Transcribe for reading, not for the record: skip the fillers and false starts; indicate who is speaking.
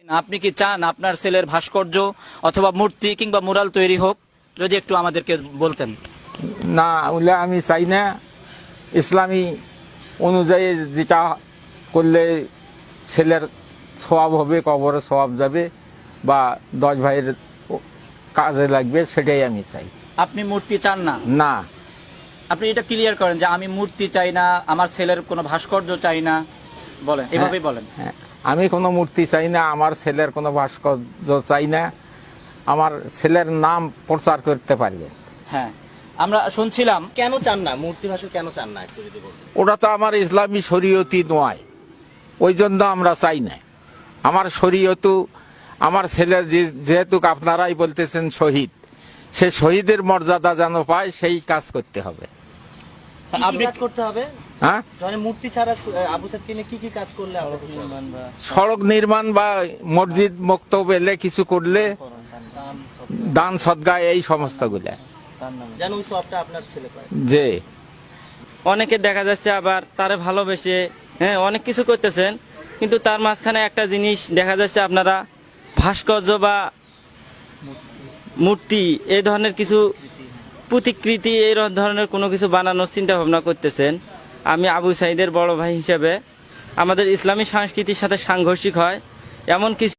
Speaker 1: আপনি কি চান আপনার ছেলের ভাস্কর্য অথবা মূর্তি কিংবা মুরাল তৈরি হোক? যদি একটু আমাদেরকে বলতেন।
Speaker 2: না, ওগুলা আমি চাই না। ইসলামী অনুযায়ী যেটা করলে ছেলের সওয়াব হবে, কবরে সওয়াব যাবে বা 10 ভাইয়ের কাজে লাগবে, সেটাই আমি চাই।
Speaker 1: আপনি মূর্তি চান না?
Speaker 2: না।
Speaker 1: আপনি এটা ক্লিয়ার করেন যে আমি মূর্তি চাই না, আমার ছেলের কোনো ভাস্কর্য চাই না, বলেন, এভাবেই বলেন।
Speaker 2: হ্যাঁ, আমি কোনো মূর্তি চাই না, আমার ছেলের কোনো ভাস্কর্য চাই না, আমার ছেলের নাম প্রচার করতে পারবে।
Speaker 1: হ্যাঁ, আমরা শুনছিলাম।
Speaker 3: কেন চান না মূর্তি ভাস্কর, কেন চান না একটু যদি বলতেন?
Speaker 2: ওটা তো আমার ইসলামী শরীয়তি নয়, ওই জন্য আমরা চাই না। আমার শরীয়ত, আমার ছেলে যেহেতু আপনারাই বলতেছেন শহীদ, সে শহীদের মর্যাদা যেন পায়, সেই কাজ করতে হবে।
Speaker 3: আপনি কাজ করতে হবে।
Speaker 2: হ্যাঁ,
Speaker 3: মানে মূর্তি ছাড়া আবু সাইদকে নিয়ে কি কাজ করলে আমরা খুশি হব?
Speaker 2: সড়ক নির্মাণ বা মসজিদ মক্তব এলে কিছু করলে, দান সদকা, এই সমস্তগুলা
Speaker 3: যেন ওই সবটা আপনার ছেলে পায়।
Speaker 2: যে
Speaker 4: অনেকে দেখা যাচ্ছে আবার তারে ভালোবেসে অনেক কিছু করতেছেন, কিন্তু তার মাঝখানে একটা জিনিস দেখা যাচ্ছে, আপনারা ভাস্কর্য বা মূর্তি এই ধরনের কিছু প্রতিকৃতি এই ধরনের কোনো কিছু বানানোর চিন্তা ভাবনা করতেছেন। আমি আবু সাইদের বড় ভাই হিসেবে আমাদের ইসলামী সংস্কৃতির সাথে সাংঘর্ষিক হয় এমন কিছু